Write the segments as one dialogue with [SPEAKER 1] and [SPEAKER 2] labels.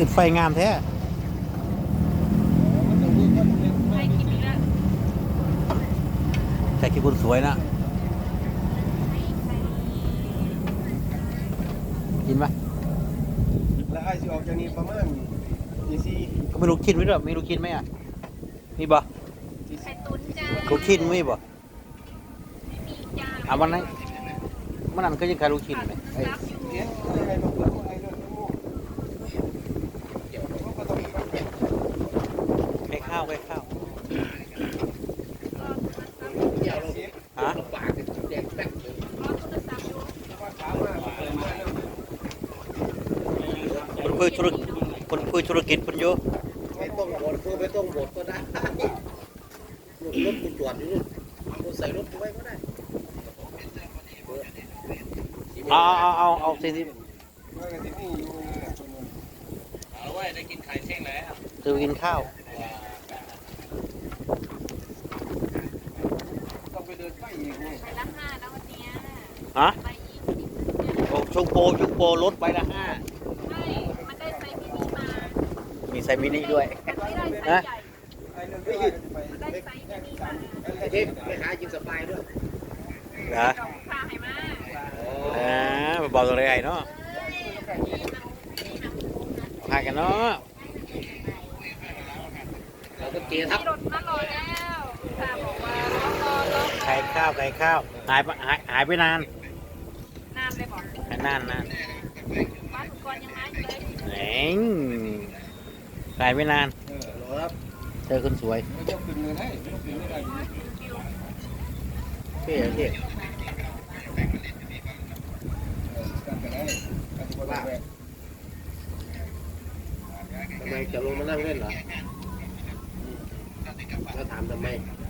[SPEAKER 1] ติดไฟงามแท้ใครคิดคนสวยนะกินไหม
[SPEAKER 2] แล้วไอ้สิออกจากนี้ประมาณ24
[SPEAKER 1] ก็ไม่รู้กินไหมหรอไม่รู้กินไหมอ่ะมีบ่
[SPEAKER 3] ไข่ตุ๋นจ้า
[SPEAKER 1] ลูกชิ้นไม่บ่
[SPEAKER 3] ไม่มีจ้า
[SPEAKER 1] อ่ะวันนั้นก็ยังขายลูกชิ้นไหมไอ้
[SPEAKER 3] รับอยู่
[SPEAKER 2] เฮ็ดอะไรมาเปิดไอ้เรื่องทั้งหมดเดี๋ยวเขาก็ต้องมีการเปลี่ยน
[SPEAKER 1] ไข่ข้าวไข่ข้าว
[SPEAKER 2] เดี๋ยวเราเสีย
[SPEAKER 1] ฮะ
[SPEAKER 2] ปากแดงแป๊กเลย
[SPEAKER 3] รอโทรศัพท์อยู่
[SPEAKER 2] ว่าถามว่าเปิดมาแล้ว
[SPEAKER 1] คนคุยธุรกิจคนโย
[SPEAKER 2] ไม่ต้องบดก็ไม่ต้องบดก็ได้รถกูจอดอยู่นู่นกูใส่รถกูไว้ก็ได้
[SPEAKER 1] เอาสิที่
[SPEAKER 2] ว่ากันที่นี่อยู่เนี่ย
[SPEAKER 4] เอาไว้ได้กินไข่เช่งแล้ว
[SPEAKER 1] จะกินข้าว
[SPEAKER 2] ต้องไปเดินไปอีกนี่
[SPEAKER 3] ไปละ5นะวันเนี้ย
[SPEAKER 1] ฮะ
[SPEAKER 3] ไป20
[SPEAKER 1] โอ้ชงโปลดไปละ5
[SPEAKER 3] ใช่มันได้ไซส์มินิมา
[SPEAKER 1] มีไซมินิด้วย
[SPEAKER 3] มันไม่ได้ไซส์
[SPEAKER 1] นะ
[SPEAKER 3] ใหญ่
[SPEAKER 2] ไอ้เรื่องไม่หยุดไป
[SPEAKER 3] มันได้ไซส์มินิมา
[SPEAKER 2] ไอ้เด็กไปหากินสบายด้วย
[SPEAKER 1] นะ
[SPEAKER 3] เก่าค่าให้มา
[SPEAKER 1] บอกตัวอะไรเนาะหากันเนาะ
[SPEAKER 2] เราก็เกทับ
[SPEAKER 3] มีรถมารอแล้วค่ะบอกว่ารอ
[SPEAKER 1] ไข่ข้าวหายไปนาน
[SPEAKER 3] นานเลยบอก
[SPEAKER 1] นาน
[SPEAKER 3] มาถึงก่อนยังมาอยู่เลย
[SPEAKER 1] แหงหายไปนาน
[SPEAKER 2] รอครับ
[SPEAKER 1] เจอคนสวย
[SPEAKER 2] ไม่ต้องขึ้นเงินให้ไม่ต้องขึ้นไม่ได้
[SPEAKER 1] เท่เท่
[SPEAKER 2] ทำไมจะลงมานั่งเล่นเหรอแล้วถามทำไม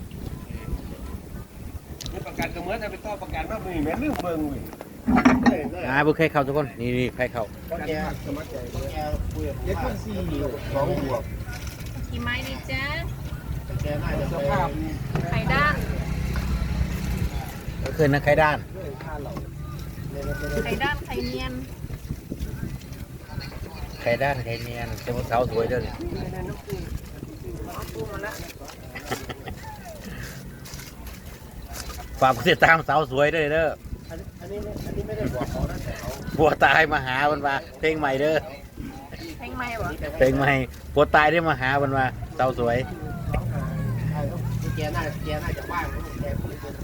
[SPEAKER 2] นี่ประกันก็เหมือนจะไปต่อประกันว่ามือแม่ลืมเบิ่งเว้ย
[SPEAKER 1] บุกไข่เข้าทุกคนนี่ไข่เข้า
[SPEAKER 2] เพราะแกสมัครใจแกคุยกับเย็ดพันสี่2 บวก
[SPEAKER 3] กี่ไม้ดีจ้า
[SPEAKER 2] แกน่าจะสภาพ
[SPEAKER 3] ไข่ด้าน
[SPEAKER 1] ก็คือนักไข่ด้าน
[SPEAKER 2] ค่าเหล่า
[SPEAKER 3] ไข่ด้านไข่เนียน
[SPEAKER 1] ไข่ด้านไข่เนียนเจ้าสาวสวยเด้อฝากติดตามสาวสวยด้วยเด้อ
[SPEAKER 2] อันนี้ไม่ได้บอกเขานะแต่เขา
[SPEAKER 1] บัวตายมาหาบันมาเพลงใหม่เด้อ
[SPEAKER 3] แพงไหมวะ
[SPEAKER 1] เพลงใหม่บัวตายได้มาหาบันมาสาวสวย
[SPEAKER 2] แกน่าจะว่างแกคุยกันแก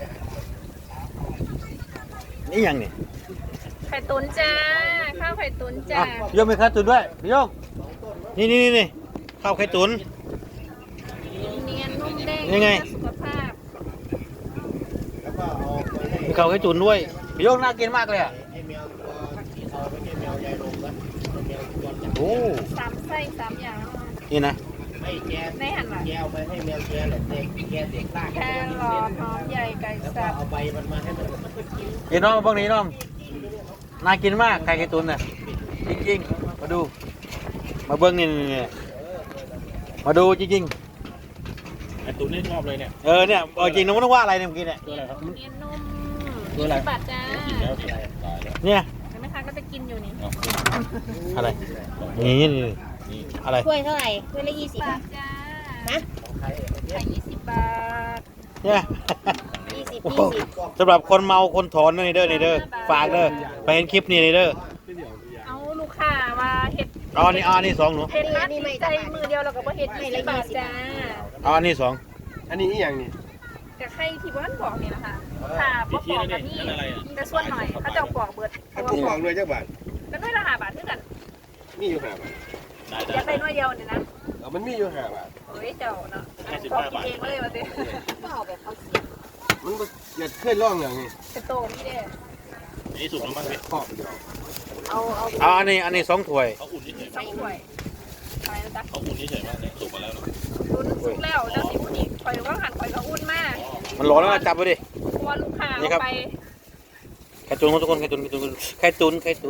[SPEAKER 1] นี่ยังนี่
[SPEAKER 3] ไข่ตุ๋นจ้า ข้าวไข่ตุ๋นจ้า
[SPEAKER 1] พี่โยมมีไข่ตุ๋นด้วยพี่โยมนี่ข้าวไข่ตุ๋น
[SPEAKER 3] เนียนนุ่มเด้ง
[SPEAKER 1] ยังไง
[SPEAKER 3] เพื่อสุขภาพ
[SPEAKER 2] แล้วก็เอาไปให้
[SPEAKER 1] มีข้าวไข่ตุ๋นด้วยพี่โยมน่ากินมากเลยอ่ะ
[SPEAKER 2] ให้แมวตัวสีเทาไม่ใช่แมวยายลมนะแมวจรจัด
[SPEAKER 1] โอ้
[SPEAKER 3] 3 ไส้3 อย่าง
[SPEAKER 1] นี่นะ
[SPEAKER 2] ให้แก
[SPEAKER 3] ในหันหลัง
[SPEAKER 2] แกเอาไปให้แมวแกแหละเด็กแกเด็กลาก
[SPEAKER 3] แครอทหอมใหญ่ไก่
[SPEAKER 2] แล้วก็
[SPEAKER 3] สับ
[SPEAKER 2] เอาใบมันมาให้มันก็กิน
[SPEAKER 1] เห็นน้องบ้างนี้น้องน่ากินมากไข่ไข่ตุ๋นน่ะจริงๆมาดู มาเบิ้งนี่มาดูจริง
[SPEAKER 4] ไอ้ตุ๋นนี่ชอบเลยเนี่ย
[SPEAKER 1] ๆเนี่ยจริงน้องนึกว่าอะไรเนี่ยเมื่อกี้เนี่ย
[SPEAKER 4] ตัวอะไรครับ
[SPEAKER 3] เนียนนุ่ม
[SPEAKER 1] ตัวอะไร
[SPEAKER 3] 20 บาทจ้า
[SPEAKER 4] กินแล้วตายแล้ว
[SPEAKER 1] เนี่ย
[SPEAKER 3] เห็นไหมคะก็จะกินอยู่นี่
[SPEAKER 4] เอา
[SPEAKER 1] อะไรนี่อะไร
[SPEAKER 5] ถ้วยเท่าไหร่ถ้วยละ20
[SPEAKER 3] บา
[SPEAKER 5] บา
[SPEAKER 3] ท
[SPEAKER 5] ท
[SPEAKER 3] จ้า
[SPEAKER 5] นะ
[SPEAKER 3] ไข่20 บาท
[SPEAKER 1] เนี่ย
[SPEAKER 5] 20
[SPEAKER 1] โอ้โหสำหรับคนเมาคนถอนนี่เด้อฝากเด้อไปเห็นคลิปนี่เด้อ
[SPEAKER 3] เอาลูกค้ามาเห็ด
[SPEAKER 1] นี่สองหนู
[SPEAKER 3] เห็ดนัดใจมือเดียวเราก็บ่เห็ด20 บาทจ้า
[SPEAKER 1] อันนี้สอง
[SPEAKER 2] อันนี้อีกอย่างนี้
[SPEAKER 3] กับไข่ที่บ้านบอกนี่นะคะค่ะบ่ปอกกับนี่แต่ส่วนหน่อยเขาจะเอาปอกเบิด
[SPEAKER 2] อันที่ของด้วยจักบาท
[SPEAKER 3] ก็ด้วยละ5 บาทเท่ากัน
[SPEAKER 2] มีอยู่5 บาท
[SPEAKER 4] ได้
[SPEAKER 3] อยากได้หน่วยเดียวเนี่ยนะ
[SPEAKER 2] มันมีอยู่5 บาท
[SPEAKER 3] เฮ้ยเจ้าเนาะบอกกินเองเลยมาสิ
[SPEAKER 5] ก็เอาแบบเขาเสีย
[SPEAKER 2] มันอย่าเคยลองอย่างนี้
[SPEAKER 3] เป็นโตนี่เด้
[SPEAKER 4] นี่สุกแล้วมั้งเนี่ย
[SPEAKER 2] ขอบเดียว
[SPEAKER 1] อันนี้สองถ้วย
[SPEAKER 4] เขาอุ่นเฉย
[SPEAKER 3] สองถ้วยอะไรนะจ๊ะ
[SPEAKER 4] เขาอุ่นเฉยมากเนี่ยสุกมาแล้วเนาะ
[SPEAKER 3] รุ่นสุกแล้วแล้วสิพูดอีกข่อยก็หันข่อยก็อุ่นมาก
[SPEAKER 1] มันร้อนแล้วจับไปดิ
[SPEAKER 3] เพราะว่าลูกค้า
[SPEAKER 1] นี่
[SPEAKER 3] เอา
[SPEAKER 1] ครับ
[SPEAKER 3] ไป
[SPEAKER 1] ไข่ตุ๋นทุกคนไข่ตุ๋นไข่ตุ๋น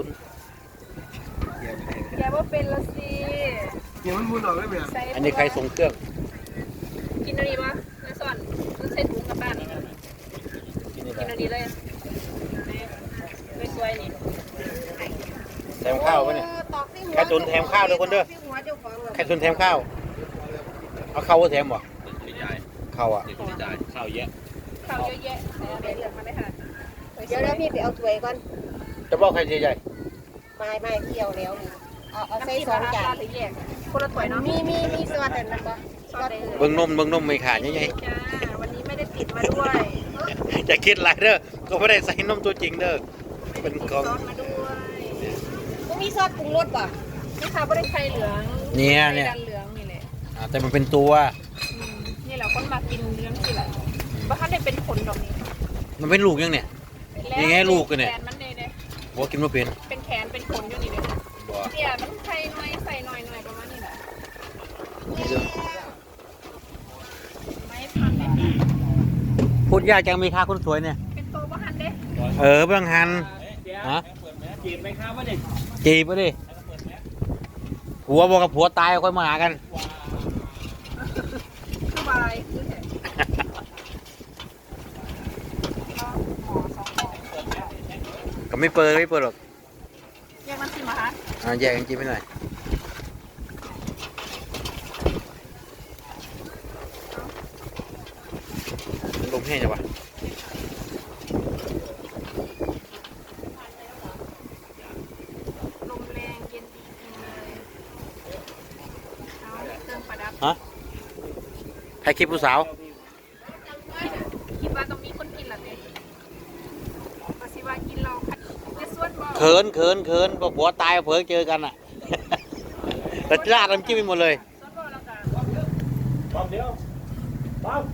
[SPEAKER 3] แกว่าเป็นละสิ
[SPEAKER 2] เดี๋ยวมันมุนออกได้ไหม
[SPEAKER 3] ใส่
[SPEAKER 1] อันนี้ไข่ทรงเครื่อง
[SPEAKER 3] กินอันนี้ปะแล้วสอนต้องใส่ถุงกลับบ้านกินอันนี้เลยไม่สวยนี่
[SPEAKER 1] ใส่ข้าวไว้เนี่ย
[SPEAKER 5] ตอกให้
[SPEAKER 1] ไข่ตุ๋นแถมข้าวด้วยคนเด้อไข่ตุ๋นแถมข้าว เอาข้าวแถมบ่
[SPEAKER 4] ดีใจ
[SPEAKER 1] ข้าวอ่ะ
[SPEAKER 4] ดีใจข้าวเยอะ
[SPEAKER 3] ข้าวเยอะแยะใส่อะไรเหลืองมาเลยค่ะ
[SPEAKER 5] เดี๋ยวพี่ไปเอาถ้วยก่อน
[SPEAKER 1] จะบอกใครใหญ่
[SPEAKER 5] ไม่เที่ยวแล้วนี่เอา
[SPEAKER 3] น้ำ
[SPEAKER 5] ใส่
[SPEAKER 3] จิ้ม
[SPEAKER 5] สอง
[SPEAKER 3] รา
[SPEAKER 5] จา
[SPEAKER 3] คาน หรือแยกคนละถ้วยเนาะ
[SPEAKER 5] มีซอสแต่นั้นบ่
[SPEAKER 3] ซอสได้เลย
[SPEAKER 1] ๆเบิ่งนมไม่ขาดใหญ่
[SPEAKER 3] จ้าวันนี้ไม่ได้ติดมาด้วย
[SPEAKER 1] ๆจะคิดไรเด้อก็ไม่ได้ใส่นมตัวจริงเด้อ เป็น
[SPEAKER 3] ติด
[SPEAKER 1] กล่อง
[SPEAKER 3] ซอสมาด้วย
[SPEAKER 5] บ่มีซอสปรุงรสบ่
[SPEAKER 3] นี่ค่ะไม่ได้ไข่เหลือง
[SPEAKER 1] เนี่ย
[SPEAKER 3] ไข่ดันเหลืองนี่แหละ
[SPEAKER 1] แต่มันเป็นตัว
[SPEAKER 3] นี่แหละคนมากินเหลืองสิแหละบ้านได้เป็นผลดอกนี้
[SPEAKER 1] มันเป็นลูกยังเนี่ย ยังไงลูกกันเนี่ย
[SPEAKER 3] แขนมันเลยเนี่ย
[SPEAKER 1] บอกกินไม่เป็น
[SPEAKER 3] เป็นแขนเป็นขนอยู่นี่เลย
[SPEAKER 1] บ่
[SPEAKER 3] เนี่ยมันไข่น้อยใส่หน่อยประมาณนี้แหละไม่พันเลย
[SPEAKER 1] พูดยากจังมีค่าคนสวยเนี่ย
[SPEAKER 3] เป็นโตบ้านเด้
[SPEAKER 1] เบิ่งหันฮะ
[SPEAKER 4] จีบไหมครับว่าเด็ก
[SPEAKER 1] จีบไปดิผัวบอกกับผัวตายค่อยมาหากัน
[SPEAKER 3] สบายคือแหละหมอสองหมอ
[SPEAKER 1] ก็ไม่เปิดหรอก
[SPEAKER 3] แยกน้ำจิ้มเหรอคะ
[SPEAKER 1] แยกกันกินไปหน่อยลมแห้งจังวะ
[SPEAKER 3] ลมแรงเย็นดีจริงเลยเอาเครื่องประดับ
[SPEAKER 1] ใครคลิปผู้สาว
[SPEAKER 3] คิดว่าต้องมีคนกินเหรอเนี่ยปสิว่ากินเราจะสวดบอก
[SPEAKER 1] เขินบอกผัวตายเผลอเจอกันอ่ะ แต่ราดน้ำจิ้มไปหมดเลย
[SPEAKER 3] สวดบอกแล้วกัน
[SPEAKER 4] ป๊อบเดียวป๊อบ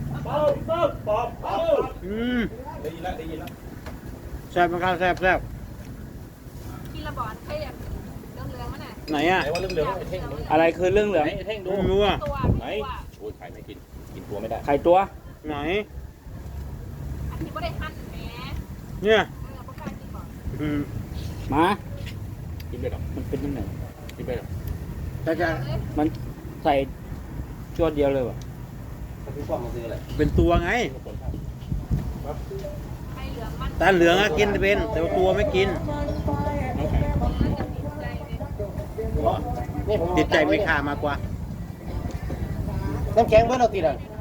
[SPEAKER 4] ได้ยินแล้ว
[SPEAKER 1] แซ่บมากครับแซ่บ
[SPEAKER 3] กินระบอนใครอย่างเรื่องเรื่องมันน่ะ
[SPEAKER 1] ไหนอ่ะ
[SPEAKER 4] ไหนว่าเรื่องเหลืองไอ้เท่งดู
[SPEAKER 6] อะไรคือเรื่องเหลือง
[SPEAKER 4] ไอ้เท่งดู
[SPEAKER 1] ไม่รู้อ่ะ
[SPEAKER 3] ตัว
[SPEAKER 4] ไหนโอ้ยไข่ไม่กินกินตัวไม่ได้
[SPEAKER 6] ไข่ตัว
[SPEAKER 1] ไหน
[SPEAKER 3] อันนี้ไม่ได้หั่นแหม
[SPEAKER 1] เนี่ย
[SPEAKER 3] พวกกล้ากินบอก
[SPEAKER 1] อืม
[SPEAKER 6] หมา
[SPEAKER 4] กินไปหรอ
[SPEAKER 6] มันเป็นยังไง
[SPEAKER 4] กินไปหรอ
[SPEAKER 1] แต่จะ
[SPEAKER 6] มันใส่จวดเดียวเลยวะ
[SPEAKER 2] พี่ป้อมมาซื้ออะไร
[SPEAKER 1] เป็นตัวไง
[SPEAKER 3] ไข่เหลืองมัน
[SPEAKER 1] ตาเหลืองอะกินเป็น แต่ว่าตัวไม่กิน
[SPEAKER 4] น้ำแข็ง
[SPEAKER 3] มันจะติดใจเลย
[SPEAKER 2] นี่ผม
[SPEAKER 1] ติดใจไม่ขามากกว่า
[SPEAKER 2] น้ำแข็งเพื่อนเราติดอ่ะ
[SPEAKER 3] ไม่